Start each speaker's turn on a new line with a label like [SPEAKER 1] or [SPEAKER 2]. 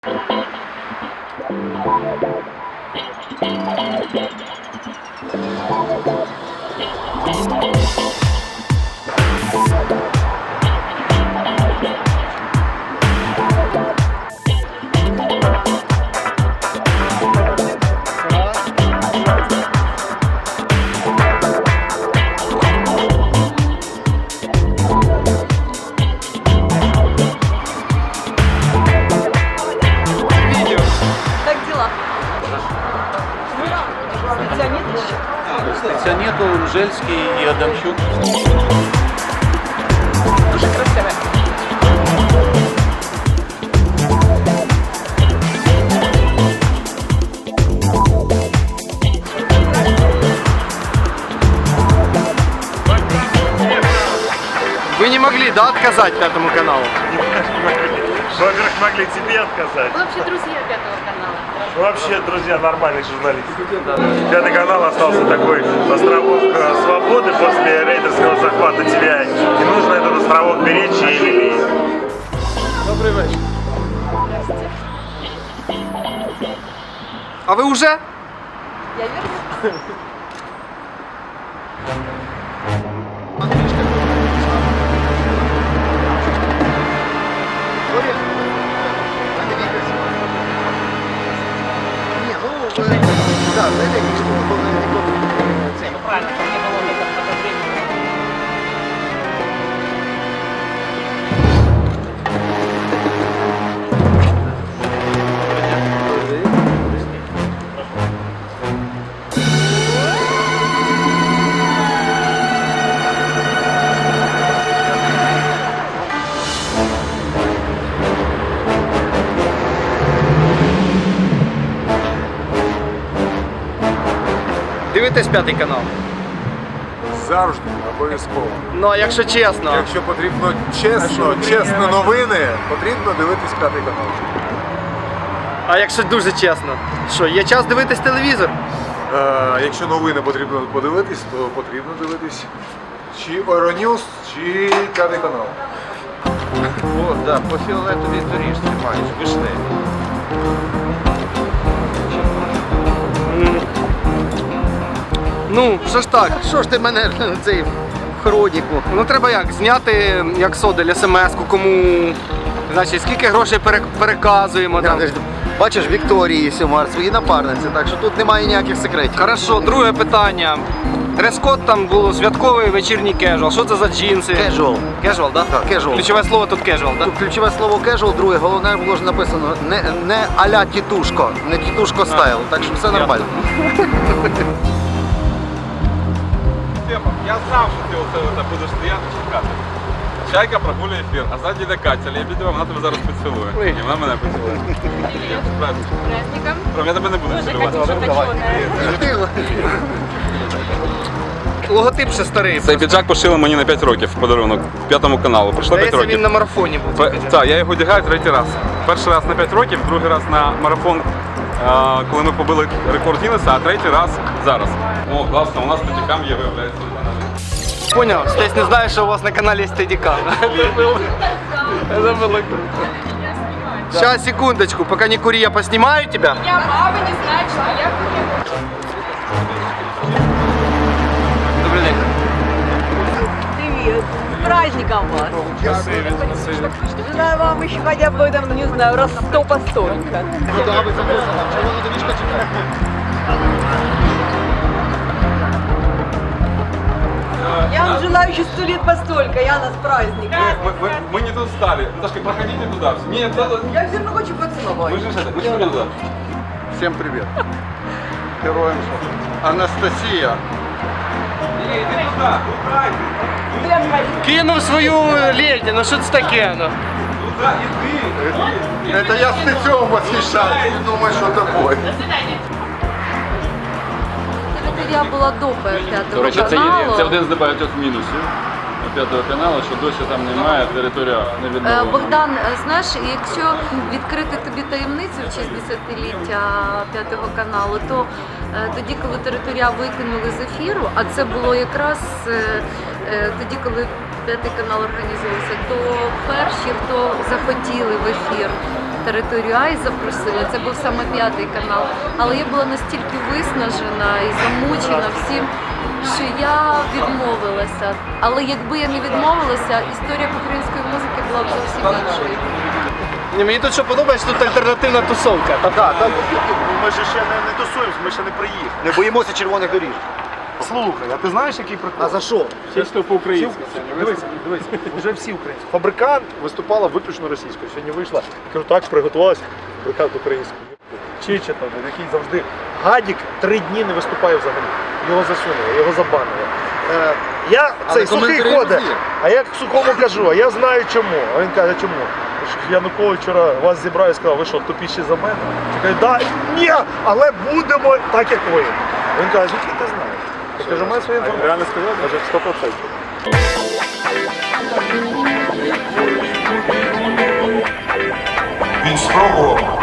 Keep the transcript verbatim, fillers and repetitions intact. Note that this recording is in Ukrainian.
[SPEAKER 1] Нету, Жельский и Адамчук.
[SPEAKER 2] Дуже красиве.
[SPEAKER 3] Вы не могли, да, отказать Пятому каналу?
[SPEAKER 4] Во-первых, могли тебе отказать.
[SPEAKER 2] Вы вообще друзья Пятого канала?
[SPEAKER 4] Ну, вообще, друзья, нормальный журналист. Пятый канал остался такой островок свободы после рейдерского захвата тебя. И нужно этот островок беречь и лелеять.
[SPEAKER 3] Добрий вечір. А ви уже?
[SPEAKER 2] Я верю.
[SPEAKER 5] Да, знаете, что
[SPEAKER 2] Правильно, ко мне было в это время.
[SPEAKER 3] Дивитесь П'ятий канал?
[SPEAKER 5] завжди, обов'язково.
[SPEAKER 3] Ну, а якщо чесно?
[SPEAKER 5] Якщо потрібно чесно, чесно новини, потрібно дивитись П'ятий канал.
[SPEAKER 3] А якщо дуже чесно? Що, є час дивитись телевізор?
[SPEAKER 5] Е, якщо новини потрібно подивитись, то потрібно дивитись чи Euronews, чи П'ятий канал.
[SPEAKER 1] О, да, по фіолетовій доріжці маєш, вишневі.
[SPEAKER 3] Ну, що ж так, що ж ти мене цей в хроніку? Ну треба як, зняти, як Содель, смс-ку, кому, значить, скільки грошей пере- переказуємо там.
[SPEAKER 6] Бачиш, Вікторії Сюмар, свої напарниці, так що тут немає ніяких секретів.
[SPEAKER 3] Хорошо, друге питання. Дрес-код там було святковий вечірній кежуал. Що це за джинси?
[SPEAKER 6] Кежуал.
[SPEAKER 3] Кежуал, так?
[SPEAKER 6] Так, casual.
[SPEAKER 3] Ключове слово тут кежуал, так?
[SPEAKER 6] Тут ключове слово кежуал, друге, головне було ж написано не, не а-ля тітушко, не тітушко стайл, так що все нормально.
[SPEAKER 7] Степан, я знав, що ти оце оце будеш стояти чекати. Чайка прогулює ефір, а ззаді йде Катя Лебедєва, вона тебе зараз поцілує. І вона мене поцілує. З праздником.
[SPEAKER 2] Праздником.
[SPEAKER 7] Прям я тебе не буду
[SPEAKER 2] Тоже
[SPEAKER 7] цілувати.
[SPEAKER 2] хочу, хочу.
[SPEAKER 3] Логотип ще старий.
[SPEAKER 7] Цей піджак пошили мені на п'ять років в подарунок П'ятому каналу. Пройшло п'ять
[SPEAKER 3] Здається, він
[SPEAKER 7] років.
[SPEAKER 3] на марафоні був.
[SPEAKER 7] Пе- Так, я його одягаю третій раз. Перший раз на п'ять років, другий раз на марафон, е, коли ми побили рекорд Гіннеса, а третій раз зараз. О, класно, у нас статікам є, виявляється.
[SPEAKER 3] Понял, Стесь не знає, що у вас на каналі є стедіка. Це було круто. Сейчас, секундочку, пока не кури, я поснимаю тебя.
[SPEAKER 2] Я мама не знает, что я
[SPEAKER 3] Добрый день.
[SPEAKER 8] Привет! С праздником вас! Желаю вам еще хотя бы, там, не знаю, раз сто по столько. Я вам желаю еще сто лет по столько, Яна, с праздником.
[SPEAKER 7] Мы, мы, мы не тут стали. Наташка, проходите туда. Нет, да, да.
[SPEAKER 8] Я все равно хочу поцеловать.
[SPEAKER 7] Мы же это, мы же пойдем туда.
[SPEAKER 5] Всім привіт. Героям Анастасія.
[SPEAKER 7] Не, иди туда, туда,
[SPEAKER 3] Кинув свою леді, ну що це таке? Ну?
[SPEAKER 7] туда, иди.
[SPEAKER 5] Це я з Стецьом восхищаюсь, не думаю, що тобою.
[SPEAKER 2] Я була до П'ятого
[SPEAKER 7] До речі, це, є,
[SPEAKER 2] каналу.
[SPEAKER 7] це один з небагатьох мінусів П'ятого каналу, що досі там немає, територія не
[SPEAKER 2] Е,
[SPEAKER 7] відновлена.
[SPEAKER 2] Богдан, е, знаєш, якщо відкрити тобі таємницю в честь десятиліття П'ятого каналу, то е, тоді, коли територія викинули з ефіру, а це було якраз е, е, тоді, коли П'ятий канал організувався, то перші, хто захотіли в ефір територію А і запросили. Це був саме п'ятий канал. Але я була настільки виснажена і замучена всім, що я відмовилася. Але якби я не відмовилася, історія української музики була б зовсім іншою.
[SPEAKER 3] Ні, мені тут що подобається, тут альтернативна тусовка.
[SPEAKER 6] Так, так.
[SPEAKER 4] Ми ж ще не, не тусуємося, ми ще не приїхали.
[SPEAKER 6] Не боїмося червоних доріжок.
[SPEAKER 4] Слухай, а ти знаєш, який прикол?
[SPEAKER 6] А за що?
[SPEAKER 7] Все, що по-українськи.
[SPEAKER 4] Дивися, дивися, вже всі українські. Фабрикант виступала виключно російською. Сьогодні вийшла, кажу, так, приготувалася, фабрикант українською. Чича там, який завжди гадік три дні не виступає взагалі. Його засунули, його забанили. Е, я цей сухий
[SPEAKER 3] коментарі
[SPEAKER 4] ходить,
[SPEAKER 3] є.
[SPEAKER 4] а я сухому кажу, а я знаю чому. А він каже, чому? Тому що Янукович вчора вас зібрав і сказав, ви що, тупіші за мене? Я кажу, да, ні, але будемо так, як ви. Він каже, звідки ти знаєш? Я кажу, має свою інформацію. Реально сказав? Каже, сто відсотків.
[SPEAKER 5] Він спробував